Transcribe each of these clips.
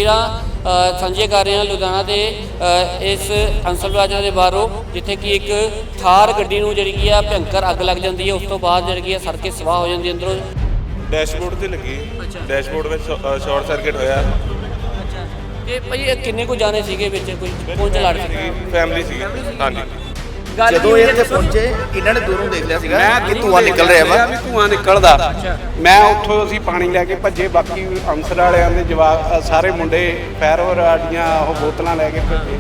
ਤਸਵੀਰਾਂ ਸਾਂਝੀਆਂ ਕਰ ਰਹੇ ਹਾਂ ਲੁਧਿਆਣਾ ਦੇ ਇਸ ਅੰਸਲ ਪਲਾਜ਼ਾ ਦੇ ਬਾਹਰੋਂ, ਜਿੱਥੇ ਕਿ ਇੱਕ ਥਾਰ ਗੱਡੀ ਨੂੰ ਜਿਹੜੀ ਕੀ ਆ ਭਿਅੰਕਰ ਅੱਗ ਲੱਗ ਜਾਂਦੀ ਹੈ। ਉਸ ਤੋਂ ਬਾਅਦ ਜਿਹੜੀ ਕੀ ਆ ਸੜ ਕੇ ਸਵਾਹ ਹੋ ਜਾਂਦੀ ਅੰਦਰੋਂ। ਡੈਸ਼ਬੋਰਡ ਤੇ ਲੱਗੀ। ਡੈਸ਼ਬੋਰਡ ਵਿੱਚ ਸ਼ਾਰਟ ਸਰਕਟ ਹੋਇਆ। ਤੇ ਭਾਈ ਇਹ ਕਿੰਨੇ ਕੁ ਜਾਣੇ ਸੀਗੇ ਵਿੱਚ? ਕੋਈ ਪਹੁੰਚ ਲੜ ਸੀ? ਫੈਮਿਲੀ ਸੀ। ਹਾਂਜੀ। ਜਦੋਂ ਇਹ ਇੱਥੇ ਪਹੁੰਚੇ ਇਹਨਾਂ ਨੇ ਦੂਰੋਂ ਦੇਖ ਲਿਆ ਸੀਗਾ ਕਿ ਧੂੰਆਂ ਨਿਕਲ ਰਿਹਾ ਵਾ। ਵੀ ਧੂੰਆਂ ਨਿਕਲਦਾ। ਮੈਂ ਉੱਥੋਂ ਅਸੀਂ ਪਾਣੀ ਲੈ ਕੇ ਭੱਜੇ, ਬਾਕੀ ਅੰਸਰ ਵਾਲਿਆਂ ਦੇ ਜਵਾਬ ਸਾਰੇ ਮੁੰਡੇ ਫਾਇਰ ਵਾਲੀਆਂ ਉਹ ਬੋਤਲਾਂ ਲੈ ਕੇ ਭੱਜੇ।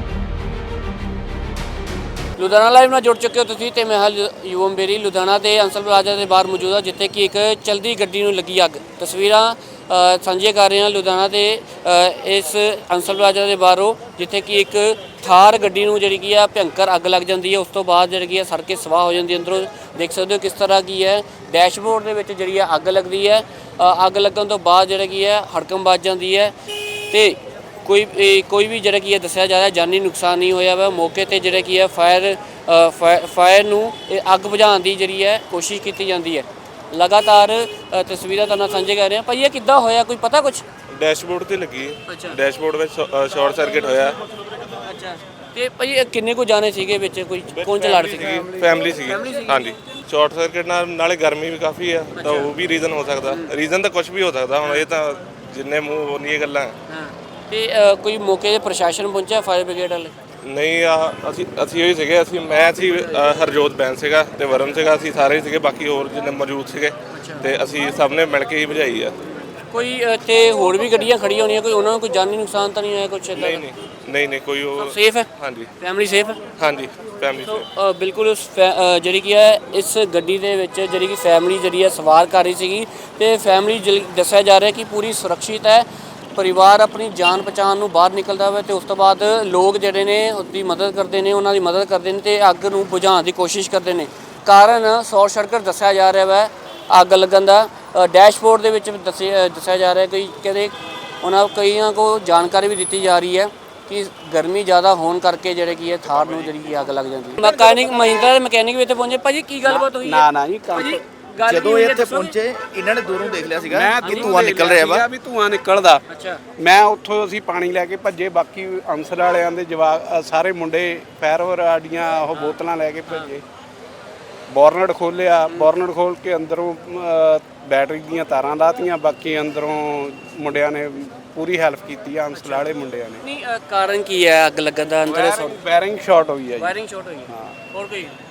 ਲੁਧਿਆਣਾ ਲਾਈਵ ਨਾਲ ਜੁੜ ਚੁੱਕੇ ਹੋ ਤੁਸੀਂ ਤੇ ਮੈਂ ਯੂਵਮ ਬੇਰੀ ਲੁਧਿਆਣਾ ਦੇ ਅੰਸਲ ਪਲਾਜ਼ਾ ਦੇ ਬਾਹਰ ਮੌਜੂਦ ਹਾਂ, ਜਿੱਥੇ ਕਿ ਇੱਕ ਚਲਦੀ ਗੱਡੀ ਨੂੰ ਲੱਗੀ ਅੱਗ। ਤਸਵੀਰਾਂ ਸਾਂਝੀਆਂ ਕਰ ਰਹੇ ਹਾਂ ਲੁਧਿਆਣਾ ਦੇ ਇਸ ਅੰਸਲ ਪਲਾਜ਼ਾ ਦੇ ਬਾਹਰੋਂ, ਜਿੱਥੇ ਕਿ ਇੱਕ ਥਾਰ ਗੱਡੀ ਨੂੰ ਜਿਹੜੀ ਕੀ ਆ ਭਿਅੰਕਰ ਅੱਗ ਲੱਗ ਜਾਂਦੀ ਹੈ। ਉਸ ਤੋਂ ਬਾਅਦ ਜਿਹੜੀ ਕੀ ਆ ਸੜ ਕੇ ਸਵਾਹ ਹੋ ਜਾਂਦੀ ਹੈ ਅੰਦਰੋਂ। ਦੇਖ ਸਕਦੇ ਹੋ ਕਿਸ ਤਰ੍ਹਾਂ ਕੀ ਹੈ ਡੈਸ਼ਬੋਰਡ ਦੇ ਵਿੱਚ ਜਿਹੜੀ ਆ ਅੱਗ ਲੱਗਦੀ ਹੈ। ਅੱਗ ਲੱਗਣ ਤੋਂ ਬਾਅਦ ਜਿਹੜਾ ਕੀ ਹੈ ਹੜਕੰਪ ਵੱਜ ਜਾਂਦੀ ਹੈ ਤੇ ਕੋਈ ਵੀ ਜਿਹੜਾ ਕੀ ਹੈ ਦੱਸਿਆ ਜਾ ਰਿਹਾ ਜਾਨੀ ਨੁਕਸਾਨ ਨਹੀਂ ਹੋਇਆ ਵਾ। ਮੌਕੇ ਤੇ ਜਿਹੜਾ ਕੀ ਹੈ ਫਾਇਰ ਨੂੰ ਅੱਗ ਬੁਝਾਉਣ ਦੀ ਜਿਹੜੀ ਹੈ ਕੋਸ਼ਿਸ਼ ਕੀਤੀ ਜਾਂਦੀ ਹੈ। ਲਗਾਤਾਰ ਤਸਵੀਰਾਂ ਤੁਹਾਨੂੰ ਸਾਂਝੇ ਕਰ ਰਹੇ ਹਾਂ। ਭਾਈ ਇਹ ਕਿੱਦਾਂ ਹੋਇਆ, ਕੋਈ ਪਤਾ ਕੁਛ? ਡੈਸ਼ਬੋਰਡ ਤੇ ਲੱਗੀ। ਡੈਸ਼ਬੋਰਡ ਵਿੱਚ ਸ਼ਾਰਟ ਸਰਕਟ ਹੋਇਆ। ਅੱਛਾ। ਤੇ ਭਾਈ ਇਹ ਕਿੰਨੇ ਕੁ ਜਾਣੇ ਸੀਗੇ ਵਿੱਚ? ਕੋਈ ਪਹੁੰਚ ਲੜ ਸੀ? ਫੈਮਿਲੀ ਸੀ। ਹਾਂਜੀ। ਸ਼ਾਰਟ ਸਰਕਟ ਨਾਲੇ ਗਰਮੀ ਵੀ ਕਾਫੀ ਆ, ਤਾਂ ਉਹ ਵੀ ਰੀਜ਼ਨ ਹੋ ਸਕਦਾ। ਰੀਜ਼ਨ ਤਾਂ ਕੁਝ ਵੀ ਹੋ ਸਕਦਾ, ਹੁਣ ਇਹ ਤਾਂ ਜਿੰਨੇ ਮੂੰਹ ਉਹਨੀਆਂ ਗੱਲਾਂ। ਹਾਂ। ਤੇ ਕੋਈ ਮੌਕੇ ਤੇ ਪ੍ਰਸ਼ਾਸਨ ਪਹੁੰਚਿਆ, ਫਾਇਰ ਬ੍ਰਿਗੇਡ ਵਾਲੇ? ਨਹੀਂ, ਅਸੀਂ ਉਹੀ ਸੀਗੇ। ਮੈਂ ਸੀ ਹਰਜੋਤ ਬੈਨ ਸੀਗਾ ਤੇ ਵਰਨ ਸੀਗਾ, ਅਸੀਂ ਸਾਰੇ ਸੀਗੇ, ਬਾਕੀ ਹੋਰ ਜਿੰਨੇ ਮੌਜੂਦ ਸੀਗੇ ਤੇ ਅਸੀਂ ਸਭ ਨੇ ਮਿਲ ਕੇ ਹੀ ਬੁਝਾਈ ਆ। ਕੋਈ ਇੱਥੇ ਹੋਰ ਵੀ ਗੱਡੀਆਂ ਖੜੀਆਂ ਹੋਣੀਆਂ, ਕੋਈ ਉਹਨਾਂ ਨੂੰ ਕੋਈ ਜਾਨੀ ਨੁਕਸਾਨ ਤਾਂ ਨਹੀਂ ਹੋਇਆ ਕੁਛ? ਨਹੀਂ ਕੋਈ ਉਹ ਸੇਫ ਹੈ? ਹਾਂਜੀ। ਫੈਮਿਲੀ ਸੇਫ ਹੈ? ਹਾਂਜੀ, ਫੈਮਿਲੀ ਸੇਫ। ਬਿਲਕੁਲ। ਉਸ ਜਿਹੜੀ ਕੀ ਹੈ ਇਸ ਗੱਡੀ ਦੇ ਵਿੱਚ ਜਿਹੜੀ ਕਿ ਫੈਮਿਲੀ ਜਿਹੜੀ ਹੈ ਸਵਾਰ ਕਰ ਰਹੀ ਸੀਗੀ ਤੇ ਫੈਮਿਲੀ ਦੱਸਿਆ ਜਾ ਰਿਹਾ ਕਿ ਪੂਰੀ ਸੁਰੱਖਿਅਤ ਹੈ। ਪਰਿਵਾਰ ਆਪਣੀ ਜਾਨ ਬਚਾਉਣ ਨੂੰ ਬਾਹਰ ਨਿਕਲਦਾ ਵਾ ਤੇ ਉਸ ਤੋਂ ਬਾਅਦ ਲੋਕ ਜਿਹੜੇ ਨੇ ਉਹਦੀ ਮਦਦ ਕਰਦੇ ਨੇ, ਉਹਨਾਂ ਦੀ ਮਦਦ ਕਰਦੇ ਨੇ ਤੇ ਅੱਗ ਨੂੰ ਬੁਝਾਉਣ ਦੀ ਕੋਸ਼ਿਸ਼ ਕਰਦੇ ਨੇ। ਕਾਰਨ ਸ਼ਾਰਟ ਸਰਕਟ ਦੱਸਿਆ ਜਾ ਰਿਹਾ ਵਾ ਅੱਗ ਲੱਗਣ ਦਾ। ਡੈਸ਼ਬੋਰਡ ਦੇ ਵਿੱਚ ਦੱਸਿਆ ਜਾ ਰਿਹਾ ਕਿ ਕਹਿੰਦੇ ਕਈਆਂ ਕੋਲ ਜਾਣਕਾਰੀ ਵੀ ਦਿੱਤੀ ਜਾ ਰਹੀ ਹੈ ਕਿ ਗਰਮੀ ਜ਼ਿਆਦਾ ਹੋਣ ਕਰਕੇ ਜਿਹੜੇ ਕੀ ਹੈ ਥਾਰ ਨੂੰ ਜਿਹੜੀ ਅੱਗ ਲੱਗ ਜਾਂਦੀ ਹੈ। ਮਹਿੰਦਰਾ ਦੇ ਮਕੈਨਿਕ ਵੀ ਇੱਥੇ ਪਹੁੰਚੇ। ਭਾਜੀ ਕੀ ਗੱਲਬਾਤ ਹੋਈ? ਨਾ ਜੀ ਜਦੋਂ ਇਹ ਇੱਥੇ ਪਹੁੰਚੇ ਇਹਨਾਂ ਨੇ ਦੂਰੋਂ ਦੇਖ ਲਿਆ ਸੀਗਾ ਕਿ ਧੂੰਆਂ ਨਿਕਲ ਰਿਹਾ ਵਾ। ਵੀ ਧੂੰਆਂ ਨਿਕਲਦਾ। ਅੱਛਾ। ਮੈਂ ਉੱਥੋਂ ਅਸੀਂ ਪਾਣੀ ਲੈ ਕੇ ਭੱਜੇ, ਬਾਕੀ ਅੰਸਰ ਵਾਲਿਆਂ ਦੇ ਜਵਾਬ ਸਾਰੇ ਮੁੰਡੇ ਫਾਇਰ ਵਾਲੀਆਂ ਉਹ ਬੋਤਲਾਂ ਲੈ ਕੇ ਭੱਜੇ। ਬੋਰਨਟ ਖੋਲ੍ਹਿਆ, ਬੋਰਨਟ ਖੋਲ੍ਹ ਕੇ ਅੰਦਰੋਂ ਬੈਟਰੀ ਦੀਆਂ ਤਾਰਾਂ ਲਾਤੀਆਂ, ਬਾਕੀ ਅੰਦਰੋਂ ਮੁੰਡਿਆਂ ਨੇ ਪੂਰੀ ਹੈਲਪ ਕੀਤੀ ਆ, ਅੰਸਰ ਵਾਲੇ ਮੁੰਡਿਆਂ ਨੇ। ਨਹੀਂ, ਕਾਰਨ ਕੀ ਹੈ ਅੱਗ ਲੱਗਣ ਦਾ? ਅੰਦਰ ਵਾਇਰਿੰਗ ਸ਼ਾਰਟ ਹੋਈ ਹੈ ਜੀ। ਵਾਇਰਿੰਗ ਸ਼ਾਰਟ ਹੋਈ ਹੈ। ਹੋਰ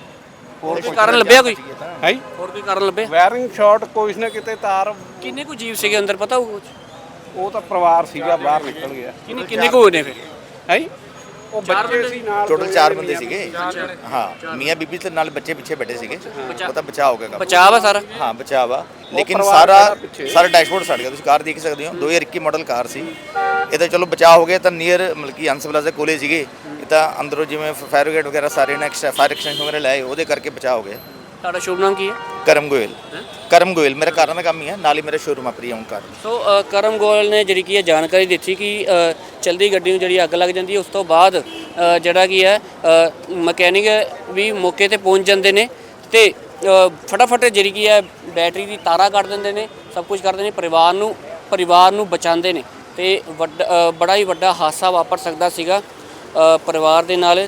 ਕੋਈ ਕਾਰਨ ਲੱਭਿਆ? ਕੋਈ ਹੈ ਹੋਰ ਕੋਈ ਕਾਰਨ ਲੱਭਿਆ? ਵਾਇਰਿੰਗ ਸ਼ਾਰਟ ਕੋਈ ਨਾ ਕਿਤੇ ਤਾਰ। ਕਿੰਨੇ ਕੁ ਜੀਵ ਸੀਗੇ ਅੰਦਰ, ਪਤਾ ਹੋਊ ਕੁਝ? ਉਹ ਤਾਂ ਪਰਿਵਾਰ ਸੀਗਾ, ਬਾਹਰ ਨਿਕਲ ਗਿਆ। ਕਿੰਨੇ ਕੁ ਹੋਏ ਨੇ ਫਿਰ? ਹੈ ਉਹ ਬੱਚੇ ਸੀ ਨਾਲ, ਟੋਟਲ 4 ਬੰਦੇ ਸੀਗੇ। ਹਾਂ, ਮੀਆਂ ਬੀਬੀ ਤੇ ਨਾਲ ਬੱਚੇ ਪਿੱਛੇ ਬੈਠੇ ਸੀਗੇ। ਉਹ ਤਾਂ ਬਚਾਅ ਹੋ ਗਿਆ। ਬਚਾਅ ਵਾ ਸਾਰਾ? ਹਾਂ, ਬਚਾਅ ਵਾ, ਲੇਕਿਨ ਸਾਰਾ ਡੈਸ਼ਬੋਰਡ ਸੜ ਗਿਆ। ਤੁਸੀਂ ਕਾਰ ਦੇਖ ਸਕਦੇ ਹੋ, 2021 ਮਾਡਲ ਕਾਰ ਸੀ ਇਹ। ਤਾਂ ਚਲੋ ਬਚਾਅ ਹੋ ਗਿਆ। ਤਾਂ ਨੀਅਰ ਮਤਲਬ ਕਿ ਅੰਸਰ ਪਲਾਜ਼ਾ ਕੋਲੇ ਸੀਗੇ ਇਹ, ਤਾਂ ਅੰਦਰੋਂ ਜਿਵੇਂ ਫਾਇਰ ਬ੍ਰਿਗੇਡ ਵਗੈਰਾ ਸਾਰੇ ਨੇ ਫਾਇਰ ਐਕਸਟੈਂਸ਼ਨ ਵਗੈਰਾ ਲਾਏ, ਉਹਦੇ ਕਰਕੇ ਬਚਾਅ ਹੋ ਗਿਆ। ਤੁਹਾਡਾ ਸ਼ੁਭ ਨਾਮ ਕੀ ਹੈ? ਕਰਮ ਗੋਇਲ ਮੇਰਾ ਕਾਰਾਂ ਦਾ ਕੰਮ ਹੀ ਹੈ, ਨਾਲ ਹੀ ਮੇਰਾ ਸ਼ੋਰੂਮ ਆ ਪ੍ਰੀਓਨ ਕਾਰ। ਸੋ ਕਰਮ ਗੋਇਲ ਨੇ ਜਿਹੜੀ ਕੀ ਹੈ ਜਾਣਕਾਰੀ ਦਿੱਤੀ ਕਿ ਚਲਦੀ ਗੱਡੀ ਨੂੰ ਜਿਹੜੀ ਅੱਗ ਲੱਗ ਜਾਂਦੀ ਹੈ, ਉਸ ਤੋਂ ਬਾਅਦ ਜਿਹੜਾ ਕੀ ਹੈ ਮਕੈਨਿਕ ਵੀ ਮੌਕੇ ਤੇ ਪਹੁੰਚ ਜਾਂਦੇ ਨੇ ਤੇ ਫਟਾਫਟ ਜਿਹੜੀ ਕੀ ਹੈ ਬੈਟਰੀ ਦੀ ਤਾਰਾਂ ਕੱਢ ਦਿੰਦੇ ਨੇ, ਸਭ ਕੁਝ ਕਰਦੇ ਨੇ, ਪਰਿਵਾਰ ਨੂੰ ਬਚਾਉਂਦੇ ਨੇ ਤੇ ਬੜਾ ਹੀ ਵੱਡਾ ਹਾਦਸਾ ਵਾਪਰ ਸਕਦਾ ਸੀਗਾ ਪਰਿਵਾਰ ਦੇ ਨਾਲ।